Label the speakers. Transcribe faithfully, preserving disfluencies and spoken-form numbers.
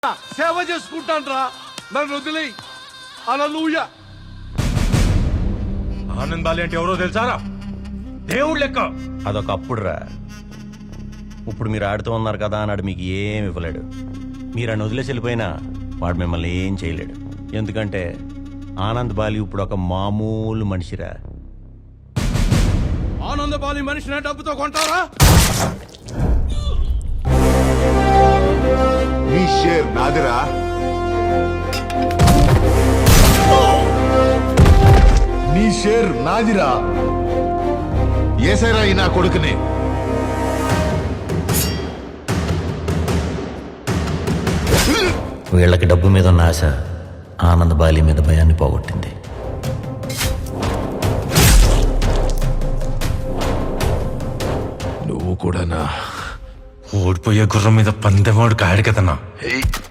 Speaker 1: సేవ చేసుకుంటాన్రా, నన్ను వదిలే హల్లెలూయా.
Speaker 2: ఆనంద్ బాలి అంటే ఎవరో తెలుసారా? దేవుడు లెక్క.
Speaker 3: అదొక అప్పుడు రా. ఇప్పుడు మీరు ఆడుతూ ఉన్నారు కదా అన్నాడు మీకు ఏం ఇవ్వలేడు. మీరు అని వదిలేసి వెళ్ళిపోయినా వాడు మిమ్మల్ని ఏం చేయలేడు. ఎందుకంటే ఆనంద్ బాలి ఇప్పుడు ఒక మామూలు మనిషిరా.
Speaker 1: ఆనందబాలి మనిషిని డబ్బుతో కొంటారా?
Speaker 4: నీ షేర్ నాదిరా. నీ షేర్ నాదిరా. ఏసైరా ఈ నా కొడుకుని.
Speaker 3: వీళ్ళకి డబ్బు మీద ఉన్న ఆశ ఆనంద్ బాలి మీద భయాన్ని పోగొట్టింది.
Speaker 4: నువ్వు కూడానా?
Speaker 2: ఓడిపోయే గుర్రం మీద పందెమాడు కాడు కదన్నా.